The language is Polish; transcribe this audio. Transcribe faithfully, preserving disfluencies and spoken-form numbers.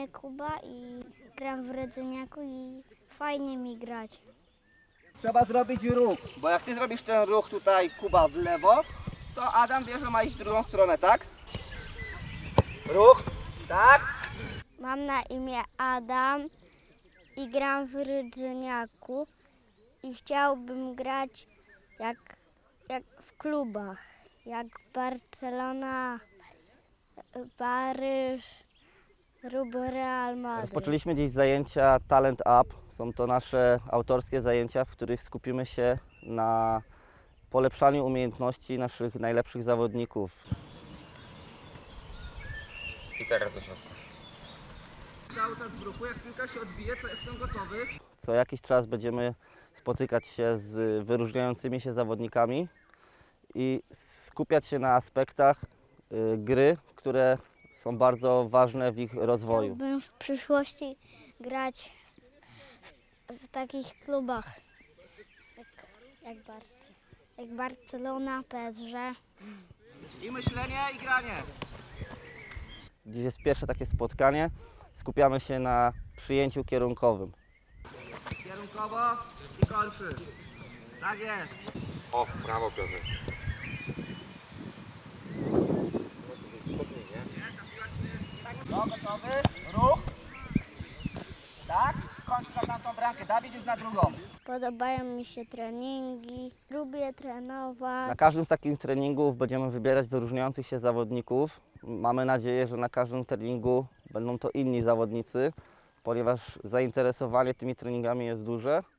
imię Kuba i gram w Rydzyniaku i fajnie mi grać. Trzeba zrobić ruch, bo jak ty zrobisz ten ruch tutaj, Kuba, w lewo, to Adam wie, że ma iść w drugą stronę, tak? Ruch, tak? Mam na imię Adam i gram w Rydzyniaku i chciałbym grać jak, jak w klubach, jak Barcelona, Paryż, lub Real Madryt. Rozpoczęliśmy dziś zajęcia Talent Up. Są to nasze autorskie zajęcia, w których skupimy się na polepszaniu umiejętności naszych najlepszych zawodników. I teraz do środka. Cały czas w ruchu, jak piłka się odbije, to jestem gotowy. Co jakiś czas będziemy spotykać się z wyróżniającymi się zawodnikami i skupiać się na aspektach y, gry, które są bardzo ważne w ich rozwoju. Chciałbym w przyszłości grać w, w takich klubach jak, jak, Bar jak Barcelona, P S G. I myślenie, i granie. Dziś jest pierwsze takie spotkanie. Skupiamy się na przyjęciu kierunkowym. Kierunkowo i kończy. Tak jest. O, brawo Piotr. No, gotowy, ruch. Tak, kończ na tamtą bramkę. Dawid już na drugą. Podobają mi się treningi, lubię trenować. Na każdym z takich treningów będziemy wybierać wyróżniających się zawodników. Mamy nadzieję, że na każdym treningu będą to inni zawodnicy, ponieważ zainteresowanie tymi treningami jest duże.